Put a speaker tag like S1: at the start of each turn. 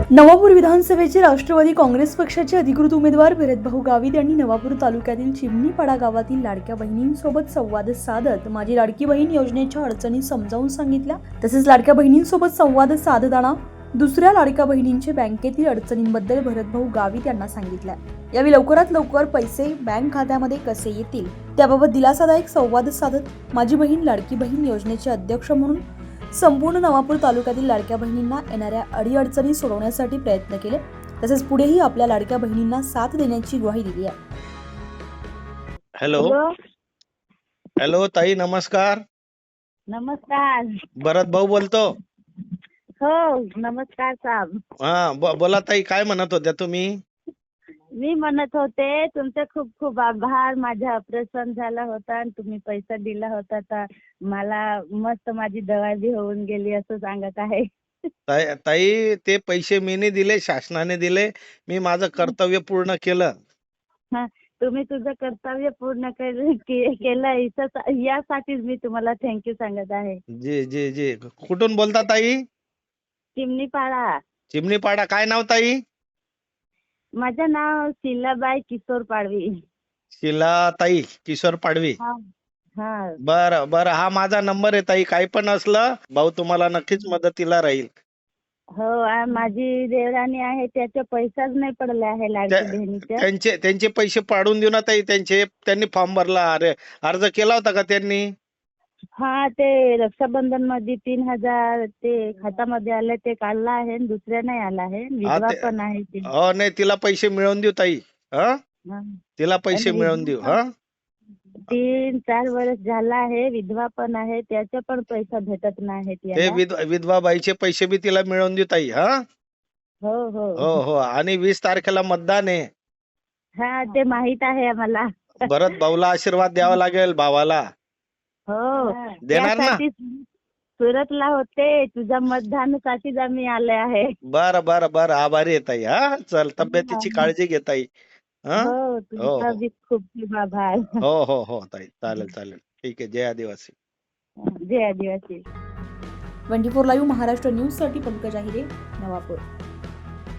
S1: नवापूर विधानसभेचे राष्ट्रवादी काँग्रेस पक्षाचे अधिकृत उमेदवार भरतभाऊ गावित यांनी नवापूर तालुक्यातील चिमणीपाडा गावातील लाडक्या बहिणींसोबत संवाद साधत माझी लाडकी बहीण योजनेच्या अडचणी समजावून सांगितल्या। तसेच लाडक्या बहिणींसोबत संवाद साधताना दुसऱ्या लाडक्या बहिणींचे बँकेतील अडचणींबद्दल भरतभाऊ गावित यांना सांगितलं। यावेळी लवकरात लवकर पैसे बँक खात्यामध्ये कसे येतील त्याबाबत दिलासादायक संवाद साधत माझी बहीण लाडकी बहीण योजनेचे अध्यक्ष म्हणून संपूर्ण नवापूर तालुक्यातील लाडक्या बहिणींना येणाऱ्या अडीअडचणी सोडवण्यासाठी प्रयत्न केले। तसेच पुढेही आपल्या लाडक्या बहिणींना साथ देण्याची ग्वाही दिली आहे।
S2: हॅलो हॅलो ताई, नमस्कार।
S3: नमस्कार।
S2: भरत भाऊ बोलतो।
S3: हो नमस्कार साहेब।
S2: बोला ताई, काय म्हणत होत्या तुम्ही?
S3: मी म्हणत होते तुमचे खूप खूप आभार। माझं ऑपरेशन झालं होतं आणि तुम्ही पैसा दिला होता तर मला मस्त माझी दवा बी होऊन गेली असं सांगत आहे।
S2: ताई ते पैसे मी नाही दिले, शासनाने दिले। मी माझं कर्तव्य पूर्ण केलं।
S3: तुम्ही तुझं कर्तव्य पूर्ण केलं यासाठीच मी तुम्हाला थँक्यू सांगत आहे।
S2: जी जी जी। कुठून बोलता ताई?
S3: चिमणीपाडा।
S2: चिमणीपाडा। काय नाव ताई?
S3: माझं नाव शीलाबाई किशोर पाडवी।
S2: शीलाताई किशोर पाडवी। बरं बरं, हा माझा नंबर आहे ताई। काही पण असलं भाऊ तुम्हाला नक्कीच मदतीला राहील।
S3: हो, माझी देवराणी आहे, त्याचे पैसाच नाही पडले आहे लाडकी बहिणीचे।
S2: त्यांचे पैसे पाडून देऊ ना ताई। त्यांनी फॉर्म भरला, अर्ज केला होता का त्यांनी?
S3: हा, ते रक्षाबंधन मध्ये 3000 ते खात्यामध्ये आले, ते काढला आहे। दुसऱ्या नाही आला आहे, विधवा पण आहे ती।
S2: हो नाही, तिला पैसे मिळवून देऊ ताई। तिला पैसे मिळवून देऊ।
S3: 3-4 वर्ष झाला आहे, विधवा पण आहे, त्याचे पण पैसा भेटत नाही।
S2: ते विधवा बाईचे पैसे बी तिला मिळवून देऊ ताई।
S3: हो हो
S2: हो हो। आणि 20 तारखेला मतदान आहे।
S3: हा, ते माहित आहे आम्हाला।
S2: भरत भाऊला आशीर्वाद द्यावा लागेल, भावाला।
S3: हो,
S2: देणार ना?
S3: सुरतला होते, तुझ्या मतदानासाठीच आम्ही आले आहे।
S2: बरं बरं बरं, आभारी आहे ताई। चल, तब्येतीची काळजी घे ताई।
S3: हो, तुमचा बी खूप खूप आभार।
S2: हो हो हो ताई, चालेल चालेल, ठीक आहे। जय आदिवासी।
S3: जय आदिवासी।
S1: 24 लाईव्ह महाराष्ट्र न्यूज साठी पंकज आहिरे, नवापूर।